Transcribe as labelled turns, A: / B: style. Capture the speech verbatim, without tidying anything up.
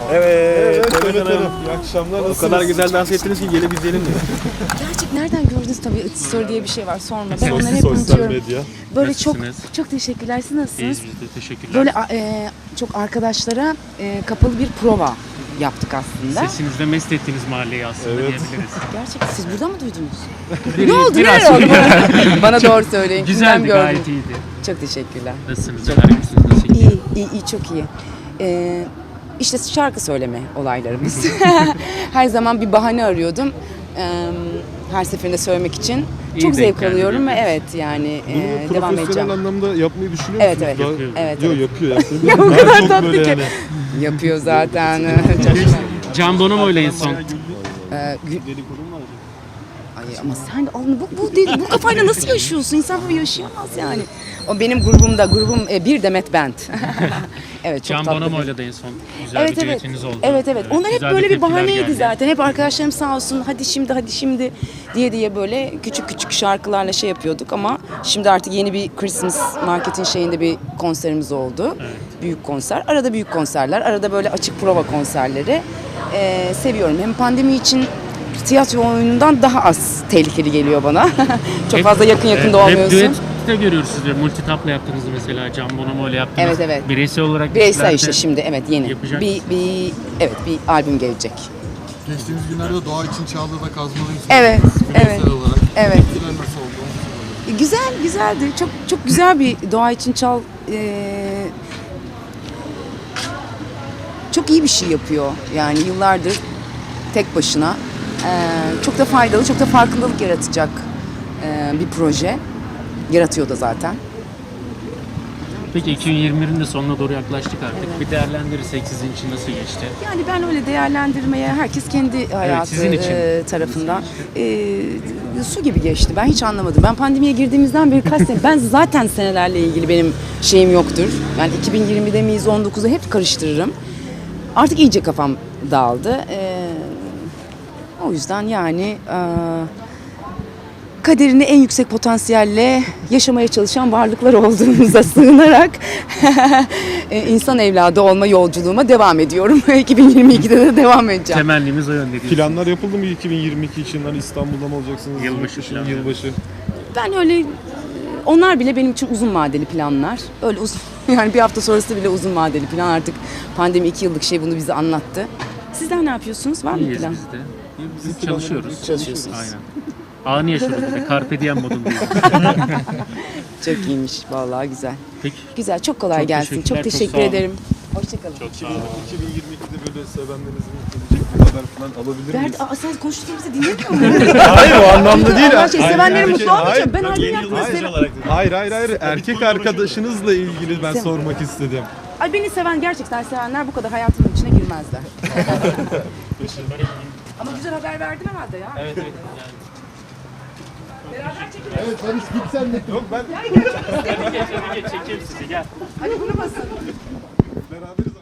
A: Evet,
B: Evet,
A: Demet Hanım.
B: İyi akşamlar.
A: O
B: Nasılsınız?
A: kadar güzel dans ettiniz ki gelip izleyelim mi?
C: Gerçek nereden gördünüz tabii story diye bir şey var sorma. Ben onları hep
B: Sosyal
C: unutuyorum.
B: medya.
C: Böyle çok
D: Nasılsınız?
C: çok teşekkürler. Siz nasılsınız?
D: İyiyiz biz de, teşekkürler.
C: Böyle e, çok arkadaşlara e, kapalı bir prova yaptık aslında.
D: Sesinizle mest ettiğiniz mahalleyi aslında
B: Evet.
D: diyebiliriz.
C: Gerçekten siz buradan mı duydunuz?
D: Bir-
C: ne oldu?
D: biraz
C: Neler oldu? Bana, bana doğru söyleyin. Kimden
D: Güzeldi,
C: gördün?
D: gayet iyiydi.
C: Çok teşekkürler.
D: Nasılsınız? Neler yapıyorsunuz? Nasıl gidiyor?
C: İyi, iyi, iyi çok iyi. Ee, işte şarkı söyleme olaylarımız. Her zaman bir bahane arıyordum. Ee, her seferinde söylemek için.
D: İyi
C: Çok
D: denk
C: zevk
D: geldi
C: alıyorum ve
D: diyorsunuz.
C: evet yani
B: Bunu
C: e,
B: mu
C: devam
B: profesyonel
C: edeceğim.
B: anlamda yapmayı düşünüyor
C: Evet,
B: musunuz?
C: evet.
B: Daha-
D: Yapıyor.
C: Evet,
B: Yok
C: evet.
B: yapıyor yapıyor.
C: Ya o
B: Daha
C: kadar
B: çok
C: tatlı
B: böyle
C: ki.
B: yani.
C: Yapıyor zaten.
D: Can Bonomo ile en son.
C: Ee, gü- Ay ama sen alın bu bu değil, bu kafayla nasıl yaşıyorsun? İnsan böyle yaşayamaz yani. O benim grubumda, grubum e, bir Demet Band. Evet çok
D: Can
C: tatlı.
D: Bonomo
C: bir-
D: ile de en son güzel
C: Evet
D: bir
C: evet.
D: düetiniz oldu.
C: Evet evet. Onlar hep
D: güzel de
C: böyle bir
D: tepkiler
C: bahaneydi
D: geldi.
C: zaten. Hep arkadaşlarım sağ olsun hadi şimdi hadi şimdi diye diye böyle küçük küçük şarkılarla şey yapıyorduk ama şimdi artık yeni bir Christmas marketin şeyinde bir konserimiz oldu.
D: Evet.
C: Büyük konser. Arada büyük konserler, arada böyle açık prova konserleri. Ee, seviyorum. Hem pandemi için tiyatro oyunundan daha az tehlikeli geliyor bana. Çok
D: Hep-
C: fazla yakın yakın
D: evet,
C: da olmuyorsun.
D: Hep düette görüyoruz sizleri. Multitap'la yaptınız mesela. Can Bonomo ile yaptınız.
C: Evet, evet.
D: Bireysel olarak
C: Bireysel
D: zaten
C: işte şimdi evet yeni.
D: yapacak
C: Bir, bir evet bir albüm gelecek.
E: Geçtiğimiz günlerde doğa için Çağla'da kazmalıyız.
C: Evet,
E: Bireysel
C: evet.
E: olarak.
C: Evet.
E: Tepkiler nasıl oldu? Onu soralım.
C: Güzel, güzeldi. Çok çok güzel bir doğa için çal. Ee, çok iyi bir şey yapıyor. Yani yıllardır tek başına. Ee, çok da faydalı, çok da farkındalık yaratacak ee, bir proje. Yaratıyor da zaten.
D: Peki iki bin yirmi birin de sonuna doğru yaklaştık artık. Bir değerlendirirsek sizin için nasıl geçti?
C: Yani ben öyle değerlendirmeye herkes kendi hayatı
D: sizin için.
C: e, tarafından e, su gibi geçti. Ben hiç anlamadım. Ben pandemiye girdiğimizden beri kaç sene ben zaten senelerle ilgili benim şeyim yoktur. Yani iki bin yirmide miyiz on dokuzda hep karıştırırım. Artık iyice kafam dağıldı. E, o yüzden yani e, kaderini en yüksek potansiyelle yaşamaya çalışan varlıklar olduğumuza sığınarak e, insan evladı olma yolculuğuma devam ediyorum. iki bin yirmi ikide de devam edeceğim.
D: Temennimiz o yönde diyorsunuz.
B: Planlar yapıldı mı iki bin yirmi iki için? Hani İstanbul'da mı olacaksınız?
D: Yılbaşı
B: Yurt dışı,
D: planları.
B: Yılbaşı.
C: Ben öyle onlar bile benim için uzun vadeli planlar. Öyle uzun yani bir hafta sonrası bile uzun vadeli plan. Artık pandemi iki yıllık şey bunu bize anlattı. Sizler ne yapıyorsunuz? Var mı
D: İyiyiz
C: plan?
D: biz de. Biz çalışıyoruz.
C: Çalışıyorsunuz.
D: Aynen. Anı yaşıyoruz bir de. Carpe diem modundayız.
C: Çok iyiymiş vallahi güzel.
D: Peki.
C: Güzel çok kolay
D: Çok
C: gelsin.
D: teşekkürler,
C: Çok
D: çok
C: teşekkür
D: sağ olun.
C: ederim. Hoşçakalın.
D: Çok sağ olun.
B: iki bin yirmi ikide böyle sevenlerinizin gelecek bir haber falan alabilir miyiz?
C: Berdi, aa, sen konuştuğumuzu dinlemiyor musun?
B: Hayır o anlamda değil.
C: Allah şey, sevenlerin
B: Hayır,
C: mutlu
B: hayır,
C: olmayacak. Ben albüm yaptığını seviyorum.
B: Hayır hayır hayır. Erkek arkadaşınızla ilgili ben sormak istedim.
C: Ay beni seven, gerçekten sevenler bu kadar hayatımın içine girmezler. Ama güzel haber verdim herhalde ya.
D: Evet evet.
C: Beraber çekelim.
E: Evet Barış git sen de.
B: Yok ben
D: Yani... Çekeyim sizi gel.
C: Hadi bunu basın.
B: beraberiz.